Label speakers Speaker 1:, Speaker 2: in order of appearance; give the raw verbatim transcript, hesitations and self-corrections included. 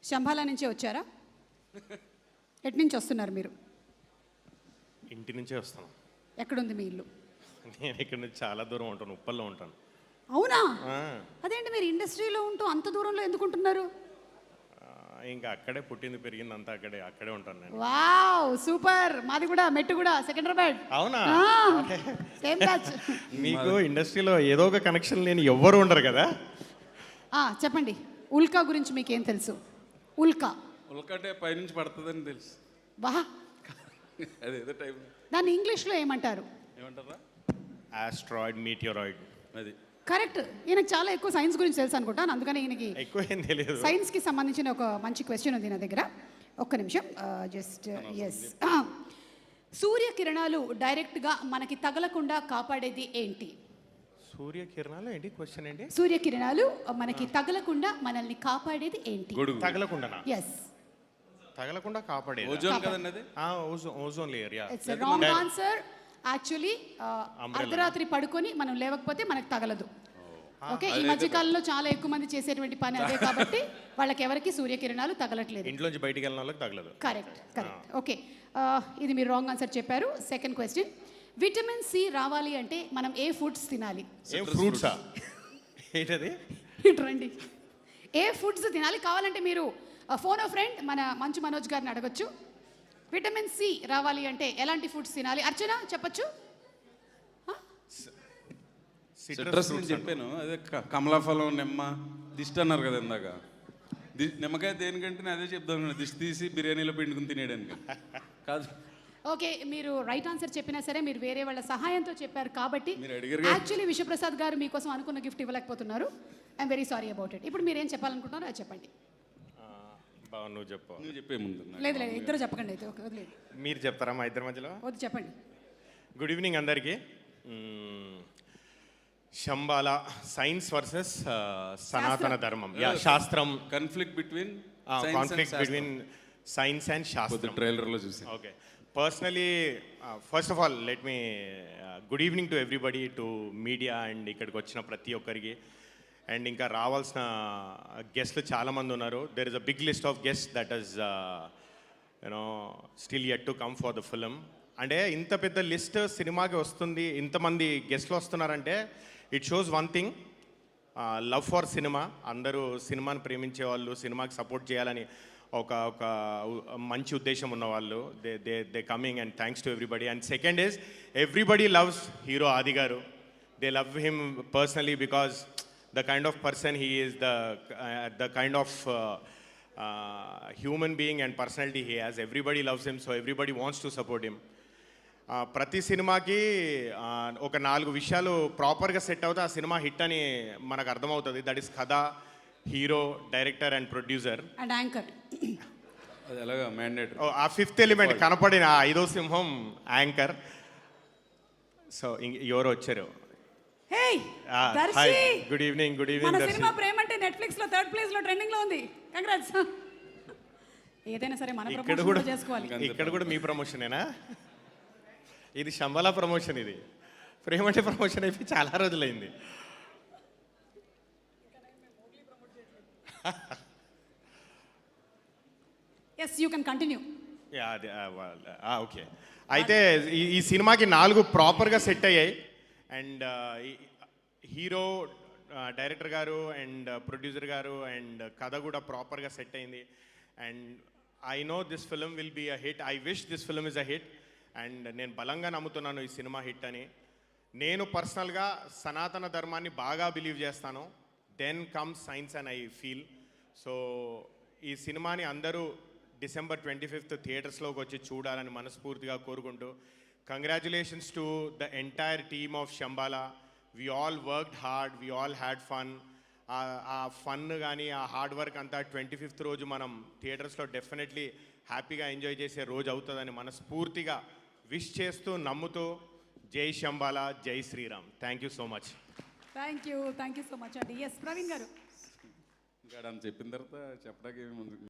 Speaker 1: శంభాలా నుంచే వచ్చారా? ఎటు నుంచి వస్తున్నారు మీరు?
Speaker 2: ఇంటి నుంచే వస్తాను.
Speaker 1: ఎక్కడుంది మీ ఇల్లు?
Speaker 2: నేను ఇక్కడ నుంచి చాలా దూరం ఉంటాను, ఉప్పల్లో ఉంటాను.
Speaker 1: అవునా? అదేంటి మీరు ఇండస్ట్రీలో ఉంటూ అంత దూరంలో ఎందుకు ఉంటున్నారు?
Speaker 2: ఇంకా అక్కడే పుట్టింది పెరిగింది అంతా అక్కడే అక్కడే ఉంటాను నేను.
Speaker 1: Wow super. మాది కూడా మెట్టు కూడా సికింద్రాబాద్.
Speaker 2: అవునా?
Speaker 1: Same batch.
Speaker 2: మీకు ఇండస్ట్రీలో ఏదో ఒక కనెక్షన్ లేని ఎవ్వరు ఉండరు కదా.
Speaker 1: చెప్పండి, ఉల్కా గురించి మీకు ఏం తెలుసు? ఉల్కా
Speaker 3: ఉల్కా అంటే పైనుంచి పడుతుందని తెలుసు.
Speaker 1: వా
Speaker 3: అదే ఏదో టైం.
Speaker 1: దాన్ని ఇంగ్లీష్లో ఏమంటారు?
Speaker 3: ఏమంటారా?
Speaker 2: Asteroid, meteoroid.
Speaker 3: అది
Speaker 1: కరెక్ట్. ఈయనకు చాలా ఎక్కువ సైన్స్ గురించి తెలుసు అనుకుంటాను, అందుకని ఈయనకి
Speaker 2: ఎక్కువ ఏం తెలియదు.
Speaker 1: సైన్స్కి సంబంధించిన ఒక మంచి క్వశ్చన్ ఉంది నా దగ్గర. ఒక్క నిమిషం. Just yes. సూర్యకిరణాలు డైరెక్ట్గా మనకి తగలకుండా కాపాడేది ఏంటి?
Speaker 2: సూర్యకిరణాలు ఏంటి? క్వశ్చన్ ఏంటి?
Speaker 1: సూర్యకిరణాలు మనకి తగలకుండా మనల్ని కాపాడేది ఏంటి?
Speaker 2: తగలకుండా.
Speaker 1: ఎస్,
Speaker 2: తగలకుండా కాపాడేది
Speaker 3: ఓజోన్ కదండి అది.
Speaker 2: Ozone ozone layer. Yeah,
Speaker 1: it's wrong answer. Actually అర్ధరాత్రి పడుకొని మనం లేవకపోతే మనకు తగలదు. ఓకే, ఈ మధ్య కాలంలో చాలా ఎక్కువ మంది చేసేటువంటి పని అదే కాబట్టి వాళ్ళకి ఎవరికి సూర్యకిరణాలు తగలట్లేదు.
Speaker 2: ఇంట్లోంచి బయటికి వెళ్ళిన వాళ్ళకి తగలదు.
Speaker 1: Correct correct. ఓకే, ఇది మీరు రాంగ్ ఆన్సర్ చెప్పారు. సెకండ్ క్వశ్చన్, విటమిన్ సి రావాలి అంటే మనం ఏ ఫుడ్స్ తినాలి?
Speaker 2: ఏ ఫ్రూట్సా? ఏంటది?
Speaker 1: రండి, ఏ ఫుడ్స్ తినాలి? కావాలంటే మీరు ఫోన్ ఆఫ్ ఫ్రెండ్ మన మంచు మనోజ్ గారిని అడగచ్చు. విటమిన్ సి రావాలి అంటే ఎలాంటి ఫుడ్స్ తినాలి? అర్చన చెప్పచ్చు.
Speaker 3: సిట్రస్ నేను చెప్పాను, అదే కమలాఫలం, నిమ్మ, దిష్టి అన్నారు కదా ఇందాక. ది నిమ్మకాయ దేనికంటే నేను అదే చెప్తాను, దిష్టి తీసి బిర్యానీలో పిండుకుని తినేయడానికి కాదు.
Speaker 1: ఓకే, మీరు రైట్ ఆన్సర్ చెప్పినా సరే మీరు వేరే వాళ్ళ సహాయంతో చెప్పారు కాబట్టి
Speaker 3: మీరు
Speaker 1: యాక్చువల్లీ విశ్వప్రసాద్ గారు మీకోసం అనుకున్న గిఫ్ట్ ఇవ్వలేకపోతున్నారు. I'm very sorry about it. ఇప్పుడు మీరు ఏం చెప్పాలనుకుంటున్నారో అది చెప్పండి.
Speaker 2: నువ్వు చెప్పు.
Speaker 3: నువ్వు చెప్పే ముందు.
Speaker 1: లేదు లేదు, ఇద్దరు చెప్పకండి అయితే. వదిలేదు,
Speaker 2: మీరు చెప్తారా మా ఇద్దరి మధ్యలో?
Speaker 1: వద్దు, చెప్పండి.
Speaker 2: గుడ్ ఈవినింగ్ అందరికీ. శంబాలా సైన్స్ వర్సెస్ సనాతన ధర్మం. యా, శాస్త్రం.
Speaker 3: Conflict between
Speaker 2: conflict between science and శాస్త్రం.
Speaker 3: ట్రైలర్లో చూసి.
Speaker 2: Okay, personally first of all let me good evening to everybody, to media and ఇక్కడికి వచ్చిన ప్రతి ఒక్కరికి. అండ్ ఇంకా రావాల్సిన గెస్ట్లు చాలామంది ఉన్నారు. There is a big list of guest that is you know still yet to come for the film. అంటే ఇంత పెద్ద లిస్ట్ సినిమాకి వస్తుంది, ఇంతమంది గెస్ట్లు వస్తున్నారంటే it shows one thing, love for cinema. అందరూ సినిమాని ప్రేమించే వాళ్ళు, సినిమాకి సపోర్ట్ చేయాలని ఒక ఒక మంచి ఉద్దేశం ఉన్నవాళ్ళు. They they they coming and thanks to everybody. And second is everybody loves hero Aadi garu. They love him personally because the kind of person he is, the uh, the kind of uh, uh, human being and personality he has. Everybody loves him, so everybody wants to support him. ప్రతి సినిమాకి ఒక నాలుగు విషయాలు ప్రాపర్గా set అవుతే ఆ cinema hit అని మనకు అర్థమవుతుంది. దట్ ఈస్ కథ, hero, director and producer
Speaker 1: and anchor.
Speaker 3: అది ఎలాగా మ్యాండేట్.
Speaker 2: ఆ ఫిఫ్త్ ఎలిమెంట్ కనపడిన ఐదో సింహం యాంకర్. సో ఎవరు వచ్చారు? Good evening. Good evening.
Speaker 1: మన సినిమా ప్రేమ అంటే నెట్ఫ్లిక్స్ లో థర్డ్ ప్లేస్ లో ట్రెండింగ్ లో ఉంది. కంగ్రాట్స్. ఏదైనా సరే మన ప్రమోషన్ కూడా చేసుకోవాలి.
Speaker 2: ఇక్కడ కూడా మీ ప్రమోషనేనా? ఇది శంబాలా ప్రమోషన్. ఇది ప్రేమ అంటే ప్రమోషన్ అయిపోయి చాలా రోజులైంది.
Speaker 1: Yes, you can continue.
Speaker 2: Okay, అయితే ఈ సినిమాకి నాలుగు ప్రాపర్గా సెట్ అయ్యాయి. And hero, director garu and producer garu and కథ కూడా ప్రాపర్గా సెట్ అయింది. And I know this film will be a hit. I wish this film is a hit. And నేను బలంగా నమ్ముతున్నాను ఈ సినిమా హిట్ అని. నేను పర్సనల్గా సనాతన ధర్మాన్ని బాగా బిలీవ్ చేస్తాను. Then comes science and I feel. So ఈ సినిమాని అందరూ డిసెంబర్ ట్వంటీ ఫిఫ్త్ థియేటర్స్లోకి వచ్చి చూడాలని మనస్ఫూర్తిగా కోరుకుంటూ, congratulations to the entire team of Shambhala. We all worked hard, we all had fun. ఆ ఫన్ కానీ ఆ హార్డ్ వర్క్ అంతా ట్వంటీ ఫిఫ్త్ రోజు మనం థియేటర్స్లో డెఫినెట్లీ హ్యాపీగా ఎంజాయ్ చేసే రోజు అవుతుందని మనస్ఫూర్తిగా విష్ చేస్తూ, నమ్ముతూ, జై శంబాలా, జై Shriram. Thank you so much.
Speaker 1: Thank you thank you so much అండి. ఎస్, ప్రవీణ్ గారు.
Speaker 3: ఇంకా చెప్పిన తర్వాత చెప్పడానికి